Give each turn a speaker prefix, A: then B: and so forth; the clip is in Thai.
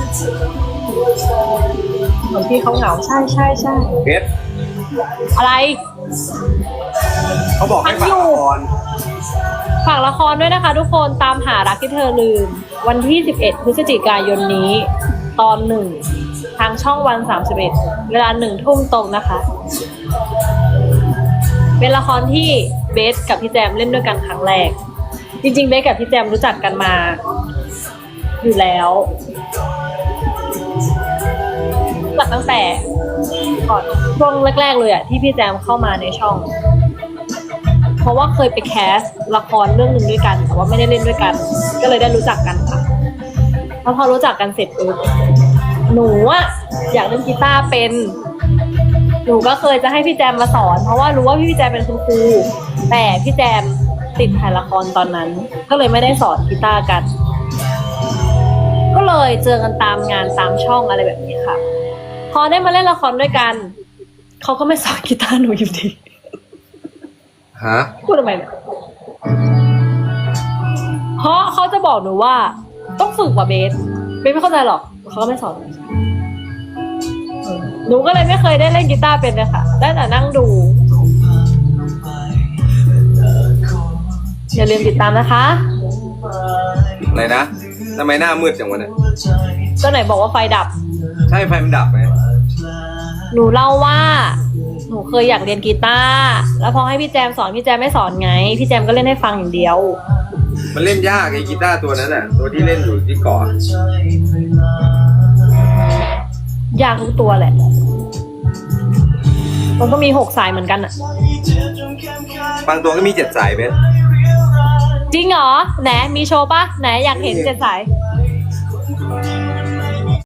A: เหมือนพี่เขาเหงาใช่ใช่ใช่
B: เพชร
A: อะไร
B: เขาบอกให้ฝากละคร
A: ฝากละครด้วยนะคะทุกคนตามหารักที่เธอลืมวันที่11 พฤศจิกายนนี้ตอน1ทางช่องวัน31เวลา1 ทุ่มตรงนะคะเป็นละครที่เบสกับพี่แจมเล่นด้วยกันครั้งแรกจริงๆเบสกับพี่แจมรู้จักกันมาอยู่แล้วรู้จักตั้งแต่ก่อนช่วงแรกๆเลยอะที่พี่แจมเข้ามาในช่องเพราะว่าเคยไปแคสละครเรื่องหนึ่งด้วยกันแต่ว่าไม่ได้เล่นด้วยกันก็เลยได้รู้จักกันค่ะแล้วพอรู้จักกันเสร็จปุ๊บหนูอะอยากเล่นกีตาร์เป็นหนูก็เคยจะให้พี่แจมมาสอนเพราะว่ารู้ว่าพี่แจมเป็นคุณครูแต่พี่แจมติดถ่ายละครตอนนั้นก็เลยไม่ได้สอนกีตาร์กันก็เลยเจอกันตามงานตามช่องอะไรแบบนี้ค่ะพอได้มาเล่นละครด้วยกันเขาก็ไม่สอนกีตาร์หนูอยู่ดี
B: ฮะ
A: พูดทำไมเนี่ยเพราะเขาจะบอกหนูว่าต้องฝึกว่าเบสไม่เข้าใจหรอกเขาก็ไม่สอนหนูก็เลยไม่เคยได้เล่นกีตาร์เป็นเลยค่ะได้แต่นั่งดูอย่าลืมติดตามนะคะ
B: อะไรนะทำไมหน้ามืดจังวะเนี่ย
A: ก็ไหนบอกว่าไฟดับ
B: ใช่ไฟมันดับไหม
A: หนูเล่าว่าหนูเคยอยากเรียนกีตาร์แล้วพอให้พี่แจมสอนพี่แจมไม่สอนไงพี่แจมก็เล่นให้ฟังอย่างเดียว
B: มันเล่นยากไอ้กีตาร์ตัวนั้นน่ะตัวที่เล่นอยู่ที่เกาะ
A: ยากทุกตัวแหละมันก็มี6 สายเหมือนกันอะ
B: บางตัวก็มี7 สายเบส
A: จริงเหรอไหนมีโชว์ปะไหนอยากเห็น7 สาย